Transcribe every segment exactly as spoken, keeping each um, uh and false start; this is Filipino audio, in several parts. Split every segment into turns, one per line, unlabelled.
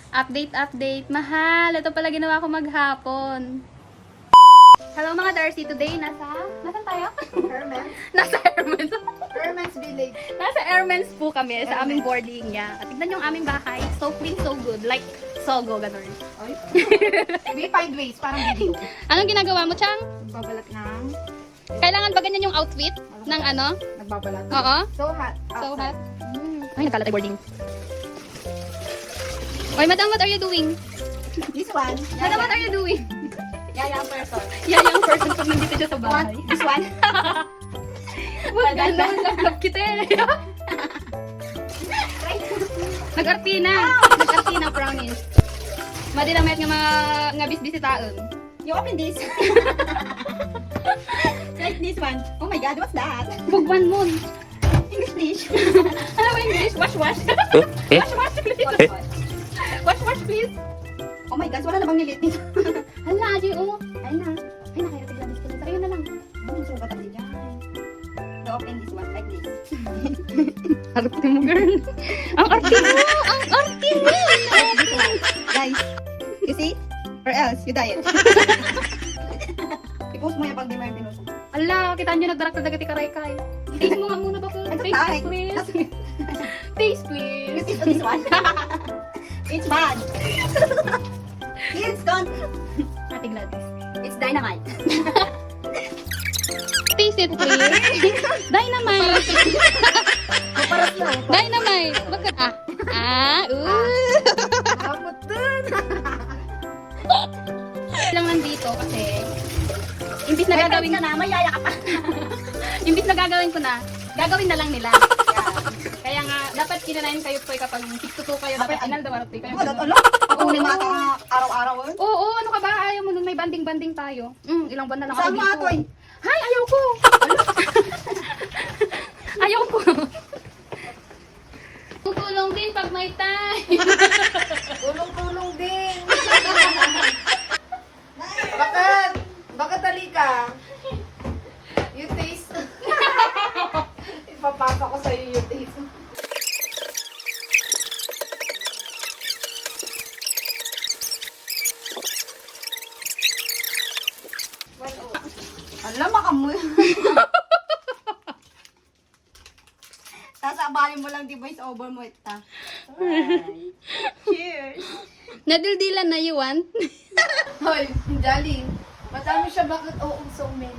Update, update. Mahal, ito pala ginawa ko maghapon. Hello mga Darcy, today nasa... Nasaan tayo?
Hermes.
Nasa Hermes.
Hermes Village.
Nasa Hermes po kami sa
Hermes.
aming boarding niya. At tignan yung aming bahay. So clean, so good. Like Sogo, ganun.
Ay. We find ways, parang video.
Anong ginagawa mo, Chang?
Nagbabalat ng...
Kailangan ba ganyan yung outfit ng ano?
Nagbabalat.
Oo.
So hot.
So hot.
outside.
Mm. Ay, nagkalat ay boarding. Oy, madam, what are you doing?
This one.
Madam, what are you doing?
Yayang person.
Yan yung person pag nandito siya sa
What?
bahay.
This one.
Huwag ganun, lablab kita eh. Nag-artina. Nag-artina, promise. Madi na mayat nga mga nga bisbisitaon.
You open this. Like this one. Oh my god, what's that?
Bugwan mo.
English dish.
Ano ba English? Wash, wash. Wash, wash, please. Wash, wash, please.
Oh my god, wala na bang nilit dito?
Hala, Adi, oh.
Ayun na.
Ay, nakaya tigla bis ko. Sa'yo na lang.
Ano sa batak dyan? You open this one like this.
Arte mo, girl. Ang arte mo! Ang arte mo!
Guys, you see? Or else, you diet. I-post mo yan pag di mo yung pinuso.
Ala, kita nyo nagdarak na dagati karay-kay. Taste mo nga muna ba ko?
Ano
Taste,
tayo?
please. Taste,
You
please.
see this one? It's bad. It's gone.
Ate Gladys.
It's dynamite.
Taste it, please. Dynamite.
Kaparas na.
Dynamite. Wag ka. Ah. Ah. Ooh.
Kapot dun.
Lang nandito kasi imbis na gagawin
ka na, mayaya ka pa.
imbis na gagawin ko na, gagawin na lang nila. Kaya nga, dapat kinanayin kayo po kapag six to two kayo, dapat inal daw araw kayo.
Wala, ala. Pag-uli mga ka araw-araw. eh.
Oo, oo, ano ka ba? Ayaw mo nung may banding-banding tayo. Mm, ilang buwan na lang ako
Saan mga
dito.
to eh?
Hay, ayaw ko! Ayaw ko! Tutulong din pag may time.
Tulong-tulong din. Bakit? Bakit dali ka? You taste. Ipapasa ko sa'yo yung taste. Alam, makamoy. Sasabalin mo lang di voice over mo ita. Cheers.
Nadildilan na you want?
Hoy, Jolly. Madami siya, bakit oo so many?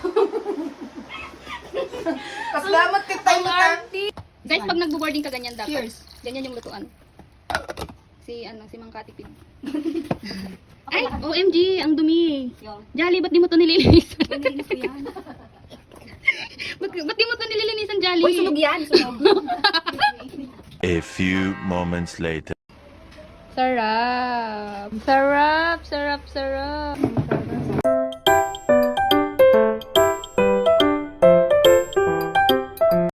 Pasalamat ka tayo mata.
Guys, pag nagbo-boarding ka ganyan dapat.
Cheers.
Ganyan yung lutuan. Si ano, si Mang Katipid. Ay, O M G, ang dumi. Jolly, ba't di mo to nililinisan?
Nilinis ko yan.
ba't, ba't di mo to nililinisan, Jolly?
Uy, sunog yan. Sunog.
A few moments later.
Sarap. Sarap, sarap, sarap.